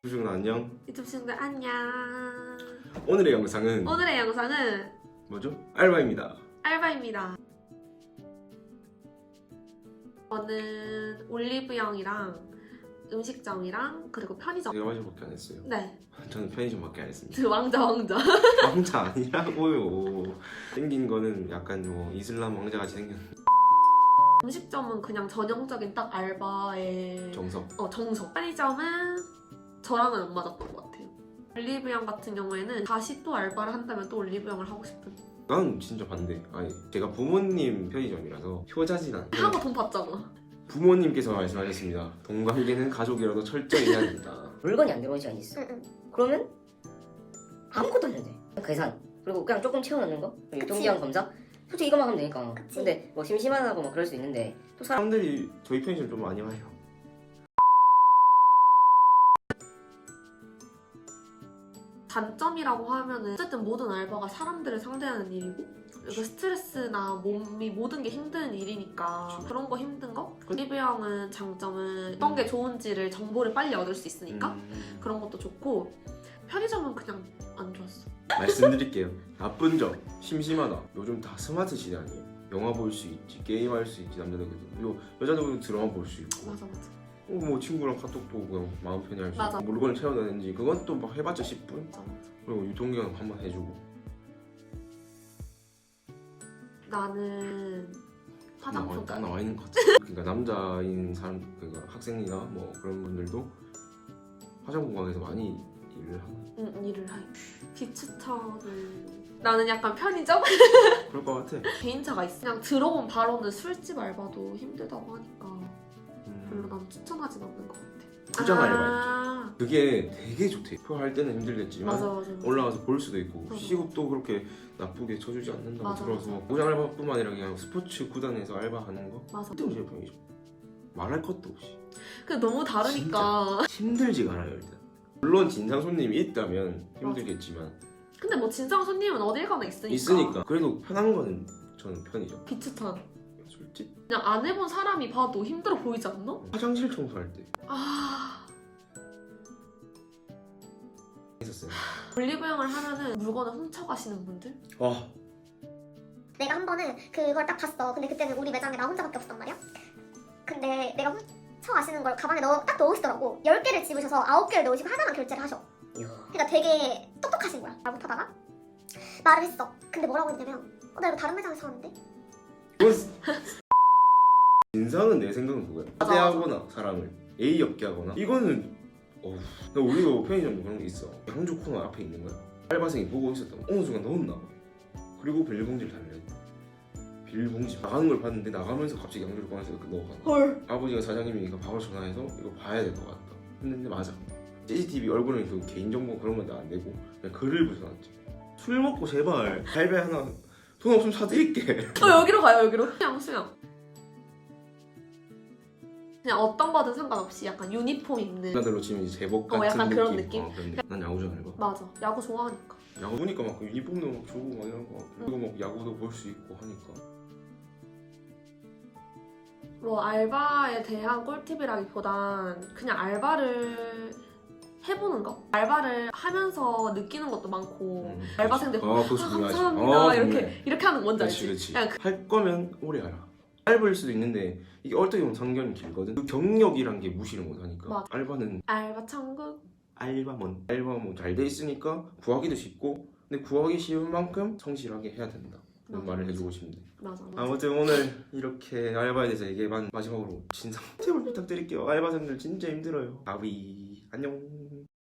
유중은 안녕. 유튜브 친구들 안녕. 오늘의 영상은 뭐죠? 알바입니다. 알바입니다. 저는 올리브영이랑 음식점이랑 그리고 편의점. 제가 마저밖에 안 했어요. 네. 저는 편의점밖에 안 했습니다. 그 왕자. 왕자 아니라고요. 생긴 거는 약간 뭐 이슬람 왕자같이 생겼는데 음식점은 그냥 전형적인 딱 알바의 정석. 정석. 편의점은 저랑은 안 맞았던 것 같아요. 올리브영 같은 경우에는 다시 또 알바를 한다면 또 올리브영을 하고 싶은. 난 진짜 반대. 아니 제가 부모님 편의점이라서 효자진 않고 하고 돈 받잖아. 부모님께서 말씀하셨습니다. 동관계는 가족이라도 철저히 해야 된다. 물건이 안 들어온 시간이 있어. 그러면 아무것도 안 해도 돼. 계산 그리고 그냥 조금 채워넣는 거 그리고 유통기한 검사 솔직히 이것만 하면 되니까. 그치. 근데 뭐 심심하다고 뭐 그럴 수 있는데 또 사람 사람들이 저희 편의점 좀 많이 와요. 단점이라고 하면은 어쨌든 모든 알바가 사람들을 상대하는 일이고 그 스트레스나 몸이 모든 게 힘든 일이니까 그쵸. 그런 거 힘든 거? 올리브영은 장점은 어떤 게 좋은지를 정보를 빨리 얻을 수 있으니까 그런 것도 좋고 편의점은 그냥 안 좋았어. 말씀드릴게요. 나쁜 점, 심심하다. 요즘 다 스마트 시대 아니에요. 영화 볼 수 있지, 게임할 수 있지, 남자들도. 여자들도 드라마 볼 수 있고. 맞아. 뭐 친구랑 카톡도 그냥 마음 편히 할 수 맞아. 있고. 물건을 채워내는지 그건 또 막 해봤자 10분. 맞아. 그리고 유통기한 한번 해주고. 나는 화장품 딱 가게. 나와 있는 것 같아. 그러니까 남자인 사람, 그러니까 학생이나 뭐 그런 분들도 화장품 가게에서 많이 일을 하는. 일을 해. 비추천은 나는 약간 편의점? 그럴 것 같아. 개인차가 있어. 그냥 들어온 바로는 술집 알바도 힘들다고 하니까 별로 음, 난 추천하진 않는 것 같아. 포장 아, 그게 되게 좋대. 표할 때는 힘들겠지만 맞아. 올라가서 볼 수도 있고 맞아. 시급도 그렇게 나쁘게 쳐주지 않는다고 맞아, 들어서 맞아. 포장 알바뿐만 아니라 그냥 스포츠 구단에서 알바하는 거 맞아. 힘들지 편이죠. 말할 것도 없이 근데 너무 다르니까. 힘들지가 않아요 일단. 물론 진상 손님이 있다면 힘들겠지만 근데 뭐 진상 손님은 어딜 가나 있으니까 그래도 편한 거는 저는 편이죠. 비추천. 솔직히 그냥 안 해본 사람이 봐도 힘들어 보이지 않나? 화장실 청소할 때 아, 있었어요. 올리브영을 하면은 물건을 훔쳐가시는 분들? 와 내가 한 번은 그걸 딱 봤어. 근데 그때는 우리 매장에 나 혼자밖에 없었단 말이야. 근데 내가 훔쳐가시는 걸 가방에 딱 넣으시더라고. 10개를 집으셔서 9개를 넣으시고 하나만 결제를 하셔. 이야. 그러니까 되게 똑똑하신 거야. 말 못하다가 말을 했어. 근데 뭐라고 했냐면 나 이거 다른 매장에서 샀는데? 그건 진상은 내 생각은 그거야. 맞아, 하대하거나 사람을 예의 없게 하거나 이거는 어우. 우리도 편의점도 그런 게 있어. 양주 코너 앞에 있는 거야. 알바생이 보고 있었던 거 어느 순간 넣었나 봐. 그리고 비닐봉지를 달래. 비닐봉지 나가는 걸 봤는데 나가면서 갑자기 양주를 꺼내서 이렇게 넣어가는 거야. 헐. 아버지가 사장님이니까 바로 전화해서 이거 봐야 될 것 같다 했는데 맞아. CCTV 얼굴은 그 개인정보 그런 건 안 되고 그냥 글을 붙여놨지. 술 먹고 제발 갈비 하나 돈 없으면 사드릴게. 여기로 가요, 여기로. 수영. 그냥 어떤 거든 상관없이 약간 유니폼 입는. 나들로 치면 이제 제복 같은 약간 느낌. 그런 느낌? 그런 느낌. 난 야구장 알바. 맞아. 야구 좋아하니까. 야구 보니까 막 유니폼도 막 주고 막 이런 거. 그리고 막 야구도 볼 수 있고 하니까. 뭐 알바에 대한 꿀팁이라기보단 그냥 알바를 해보는 거? 알바를 하면서 느끼는 것도 많고 알바생들 그거 중요하지. 감사합니다 중요해. 이렇게 하는 거 뭔지 알지? 그렇지. 그냥 할 거면 오래 알아. 알바일 수도 있는데 이게 어떻게 보면 상견이 길거든. 그 경력이란 게 무시를 못하니까. 맞아. 알바는 알바 천국? 알바몬 잘 돼 있으니까 구하기도 쉽고 근데 구하기 쉬운 만큼 성실하게 해야 된다. 그런 맞아, 말을 해주고 싶네. 맞아. 아무튼 오늘 이렇게 알바에 대해서 얘기해봤 마지막으로 진상 팁을 부탁드릴게요. 알바생들 진짜 힘들어요. 가위 안녕.